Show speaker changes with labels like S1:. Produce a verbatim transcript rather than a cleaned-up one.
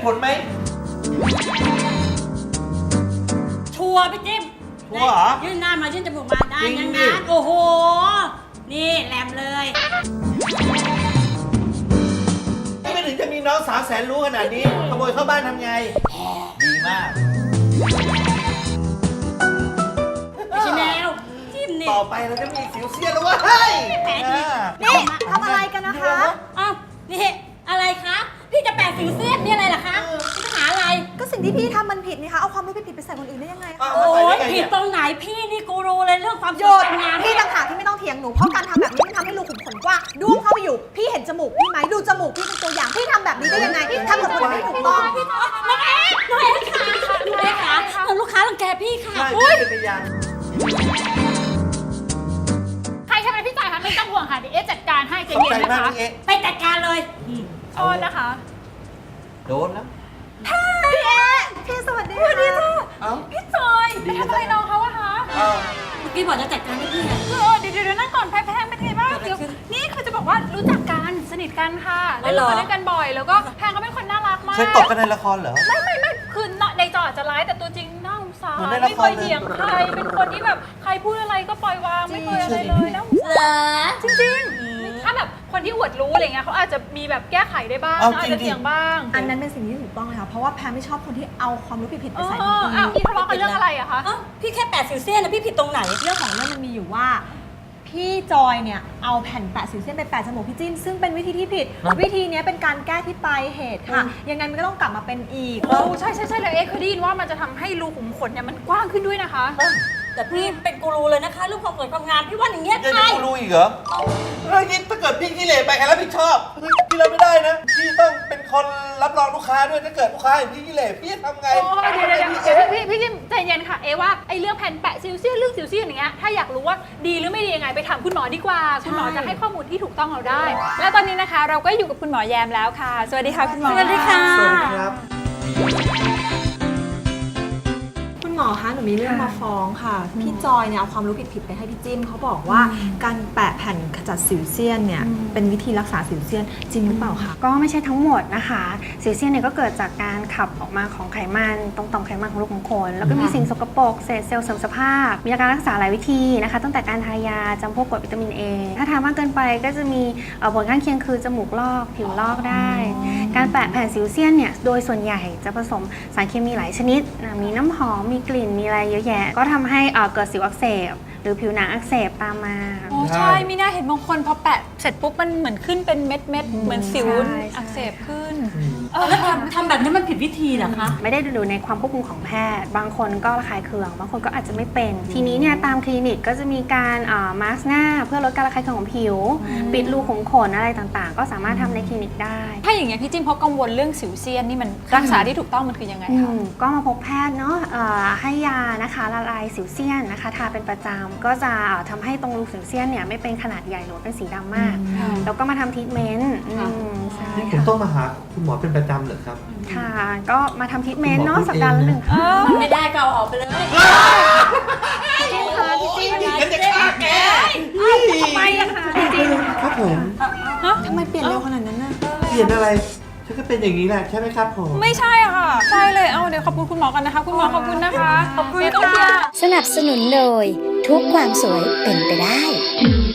S1: ผลไหม
S2: ชัวร์พี่จิ้ม
S1: ชัวร์เหรอ
S2: ยื่นหน้ามายื่นจมูกมาได้
S1: จริง
S2: ยัง
S1: ดิ
S2: งั้นโอ้โหนี่แหลมเลย
S1: ไม่ถึงจะมีน้องสาวแสนรู้ขนาดนี้ขโมยเข้าบ้านทำไงดีมาก
S2: ชิแนวจิ้มนี่
S1: ต่อไปเราจะมีสิวเซียนแล้ววะเฮ้ย
S2: แผลที
S3: นี่ทำอะไรกันนะคะ
S2: อ้าวนี่อะไรคะพี่จะแปะสิวเซียนนี่อะไรล่ะคะพี่จะหาอะไร
S3: ก็สิ่งที่พี่ทำมันผิดนี่คะเอาความรู้ผิดๆไปใส่คนอื่นได้ยังไงคะ
S2: โอ้ยผิดตรงไหนพี่นี่กูรู้เลยเรื่องความ
S3: โยนพี่ต่างหากที่ไม่ต้องเถียงหนูเพราะการทำแบบนี้มันทำให้รูขุมขนกว้างด้วงเข้าไปอยู่พี่เห็นจมูกพี่ไหมดูจมูกพี่เป็นตัวอย่างพี่ทำแบบนี้ได้ยังไงทำกับคนอื่นไม่ถูกต้อง
S2: น้องเอ๊ะน้องเอ๊ะค่ะน้องเอ๊ะค่ะลูกค้ารังแกพี่ค่ะ
S1: ใช่
S2: อุ้ย
S1: เป็นพยาน
S4: ใครใช่ไหมพี่จ่ายคะไม่ต้องห่วงค่ะเดี๋ยวเอ๊ะจัดการให้ใจ
S1: ขอบ
S4: เย็
S1: ใจ
S4: นนะ
S1: มาก
S4: คะ
S1: พี่เอ๊ะ
S2: ไปจัดการเลย
S4: โทษนะคะ
S1: โดนแล้ว
S3: พี่เอ๊ะพี่สวัสดีค่ะ
S1: เอ้า
S4: พี่จอยไปทำอะไรน้องเขาอะคะ
S1: เอ้า
S2: เมื่อกี้บอกจะจัดการให้พี่อะ
S4: เออเดี๋ยวเดี๋ยวนั่งก่อนแพ้แพ้เป็นไงบ้าง
S2: เกิดอะไร
S4: เดี๋ยว
S2: ขึ้น
S4: นี่คือจะบอกว่ารู้จักกันสนิทกันค่ะ
S2: อ๋
S4: เล่
S2: อน เหร
S4: ละ
S2: อ
S4: ครด้วยกันบ่อย แล้วก็แพงก็เป็นคนน่ารักมาก
S1: เคยตบกันในละครเหรอ
S4: ไม่ไม่ไม่คือในจออาจจะร้ายแต่ตัวจริงน่าสงสาร
S1: เหมือนในละ
S4: ไม่
S1: ค
S4: เค
S1: ร
S4: ย
S1: เลย
S4: เถียงใครเป็นคนที่แบบใครพูดอะไรก็ปล่อยวางไม่เคยอะไรเลยแล้ว
S2: เหรอ
S4: จริงๆถ้าแบบคนที่อวดรู้อะไรเงี้ยเขาอาจจะมีแบบแก้ไขได้บ้าง
S1: เอา
S4: อาจ
S1: จริงๆ
S4: จะเถียงบ้าง
S3: อันนั้นเป็นสิ่งที่ถูกต้องเลยค่ะเพราะว่าแพรไม่ชอบคนที่เอาความรู้ผิดๆ
S4: เอ
S3: ไป
S4: อ
S3: ใส่คนอื่น
S4: อ้าวพี่ทะเลาะกันเรื่องอะไรอะคะ
S2: เอ้าพี่แค่แปะสิวเซียนนะพี่ผิดตรงไหน
S3: เรื่องของเรื่องมันมีอยู่ว่า พี่จอยเนี่ยเอาแผ่นแปะสิวเส้นไปแปะจมูกพี่จิ้มซึ่งเป็นวิธีที่ผิด วิธีนี้เป็นการแก้ที่ปลายเหตุค่ะ ยังไงมันก็ต้องกลับมาเป็นอีก
S4: โอ้ใช่ใช่ใช่แล้วเอ๊ะเคยได้ยินว่ามันจะทำให้รูขุมขนเนี่ยมันกว้างขึ้นด้วยนะคะ
S2: แต่พี่เป็นกูรูเลยนะคะเรื่องความสวยความงามพี่ว่าอย่างเงี้ย
S1: ยัง
S2: ใช่
S1: จะกูรู้อีกเหรอเฮ้ยนี่ถ้าเกิดพี่ขี้เหร่ไปใครรับผิดชอบเฮ้ยพี่รับไม่ได้นะ พี่ต้องเป็นคนรับรองลูกค้าด้วยถ้าเกิดลูกค้าเห็นพี่ขี้เหร่พี่จะทำไง
S4: โอ้เดี๋ยวเดี๋ยวเดี๋ยวพี่พี่พี่ใจเย็นค่ะเอะว่าไอ้เรื่องแผ่นแปะซิลเซียนเรื่องซิลเซียนอย่างเงี้ยถ้าอยากรู้ว่าดีหรือไม่ดียังไงไปถามคุณหมอดีกว่าคุณหมอจะให้ข้อมูลที่ถูกต้องเราได้ แล้วตอนนี้นะคะเราก็อยู่กับคุณหมอแยมแล้วค่ะ สวัสดีค่ะคุณหมอ
S2: สวัสดีค่ะ
S1: สวัสดีครับ
S3: คุณหมอคะหนูมีเรื่องมาฟ้องค่ะ พี่จอยเนี่ยเอาความรู้ผิดๆไปให้พี่จิ้มเขาบอกว่าการแปะแผ่นขจัดสิวเซียนเนี่ยเป็นวิธีรักษาสิวเซียนจริงหรือเปล่าคะ
S5: ก็ไม่ใช่ทั้งหมดนะคะสิวเซียนเนี่ยก็เกิดจากการขับออกมาของไขมันตรงต่อมไขมันของรูขุมขนแล้วก็มีสิ่งสกปรกเศษเซลล์เสื่อมสภาพ มีการรักษาหลายวิธีนะคะตั้งแต่การทายาจำพวกกรดวิตามิน A ถ้าทานมากเกินไปก็จะมีเอ่อผลข้างเคียงคือจมูกลอกผิวลอกได้ การแปะแผ่นสิวเซียนเนี่ยโดยส่วนใหญ่จะผสมสารเคมีหลายชนิดนะมีน้ำหอมมีกลิ่นมีอะไรเยอะแยะก็ทำให้เอ่อเกิดสิวอักเสบหรือผิวหนังอักเสบตามมา
S4: โอ้ใช่มีน่าเห็นบางคนพอแปะเสร็จปุ๊บมันเหมือนขึ้นเป็นเม็ดเม็ดๆเหมือนสิว
S5: ใช่
S4: อักเสบขึ้น
S2: แล้วทำทำแบบนี้มันผิดวิธีเหรอคะ
S5: ไม่ได้ดูในความควบคุมของแพทย์ บางคนก็ระคายเคือง บางคนก็อาจจะไม่เป็น ทีนี้เนี่ยตามคลินิกก็จะมีการมาสก์หน้าเพื่อลดการระคายเคืองของผิว ปิดรูขุมขนอะไรต่างๆ ก็สามารถทำในคลินิกได้
S4: ถ้าอย่างเงี้ยพี่จิ้มเขากังวลเรื่องสิวเซียนนี่มันรักษาที่ถูกต้องมันคือยังไง
S5: อื
S4: คะ
S5: มก็มาพบแพทย์เนาะเอ่อให้ยานะคะละลายสิวเซียนนะคะทาเป็นประจำก็จะเอ่อทำให้ตรงรูสิวเซียนเนี่ยไม่เป็นขนาดใหญ่หรือเป็นสีดำมาก แล้วก็มาทำทรีทเมนต์อืมใช่
S1: นี่ผม
S5: ค่ะ
S1: ต้องมาหาคุณหมอเป็นประจำเหรอครับ
S5: ค่ะก็มาทำทรีทเมนต์เนาะสัปดาห์ละหนึ่งครั้ง
S2: ไม่ได้ก็เอาออกไปเลย
S5: จริงค่ะพี่จิ้ม
S1: งั้นจะฆ่าแก
S5: ทำไมอะคะจริง
S1: ครับผม
S3: ทำไมเปลี่ยนเร็วขนาดนั้นน่ะ
S1: เปลี่ยนอะไรฉันก็เป็นอย่างนี้แหละใช่ไหมครับผม
S4: ไม่ใช่อะค่ะ ใช่เลย เอาเดี๋ยวขอบคุณคุณหมอกันนะคะ คุณหมอขอบคุณนะคะ ขอบคุณค่ะ
S6: สนับสนุนโดยทุกความสวยเป็นไปได้